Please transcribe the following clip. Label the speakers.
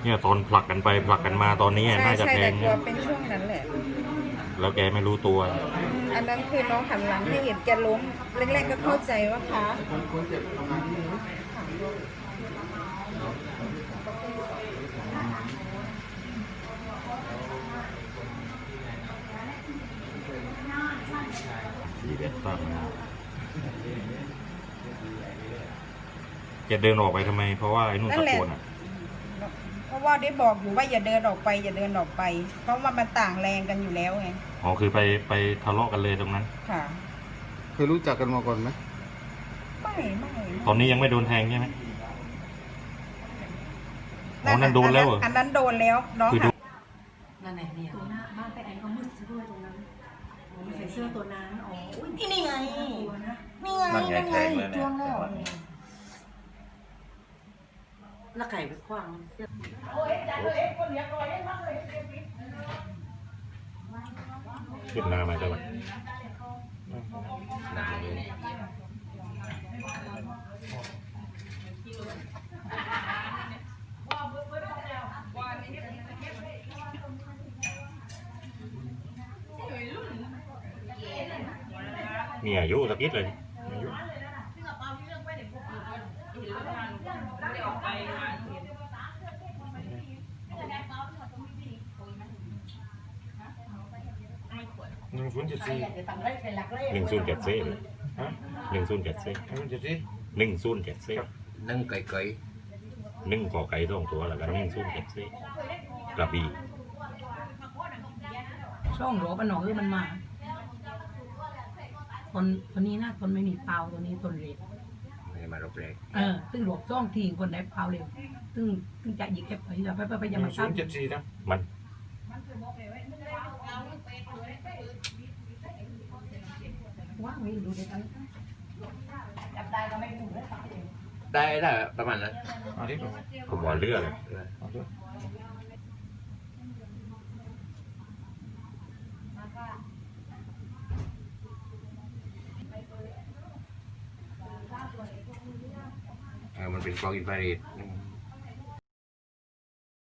Speaker 1: เนี่ยตอนผลักกันไปผลักกันมาตอนนี้น่าจะ
Speaker 2: ใช่
Speaker 1: แท
Speaker 2: แต่
Speaker 1: ง
Speaker 2: กลัวเป็นช่วงนั้นแหละ
Speaker 1: แล้วแกไม่รู้ตัว
Speaker 2: อันนั้นคือน้องหันหลังให้เห็นแกล้มแรกๆก็เข้าใจว่าคะ
Speaker 1: 41ตั้งจะเดินออกไปทำไมเพราะว่าไอ้นุ่นตะโกนอ่ะ
Speaker 2: เพราะว่าได้บอกอยู่ว่าอย่าเดินออกไปอย่าเดินออกไป เพราะว่ามันต่างแรงกันอยู่แล้วไง
Speaker 1: อ๋อคือไปทะเลาะกันเลยตรงนั้น
Speaker 2: ค่ะ
Speaker 3: เคยรู้จักกันมาก่อนไหม
Speaker 2: ไม่
Speaker 1: ตอนนี้ยังไม่โดนแทงใช่ไหมอ๋อนั่นโดนแล้วเหรอ
Speaker 2: อันนั้นโดนแล้วน้อง
Speaker 1: คือ
Speaker 2: หัน
Speaker 4: นั่นไหนเนี่ย
Speaker 5: ตัวหน้าบ้านไปแอนก็มืดซะด้วยตรงนั้นใส่เสื้อตัวนั้นอ๋ออุ้ย
Speaker 4: นี่ไง
Speaker 5: ตัวนะ
Speaker 4: นี่ไง
Speaker 6: นั่นไงแทงเลย
Speaker 4: จ้วงแล้ว
Speaker 6: เนี่ย
Speaker 4: แล้วไก่ไปขว้าง
Speaker 1: ขึ้นหน้ามาจังหวะ
Speaker 6: หนักเลย
Speaker 1: มีอายุสักนิดเลยอายุ1074เลยฮะ1074
Speaker 6: นึ่งไก่
Speaker 1: 1ขอไก่2ตัวแล้วกัน1074กระบี่
Speaker 4: ช่องหลวงปนหนองคือมันมาคนนี้นะคนไม่มีเปล่าตัวนี้ต้นเล็ก
Speaker 6: ไม่ได้มารบแรก
Speaker 4: ซึ่งหลวงซ่องทีคนได้เปล่าเร็วซึ่งจะหยิบแค่ไปจะไปยังมาซับ
Speaker 1: นะมัน
Speaker 4: ว่างไว้ดูเด็กนั้นจับได้ก็ไม่ถูกเลย
Speaker 6: ได้ประมาณนั้น
Speaker 1: ผมว่าเลือดเลย
Speaker 6: มันเป็นกล้องอินฟราเรด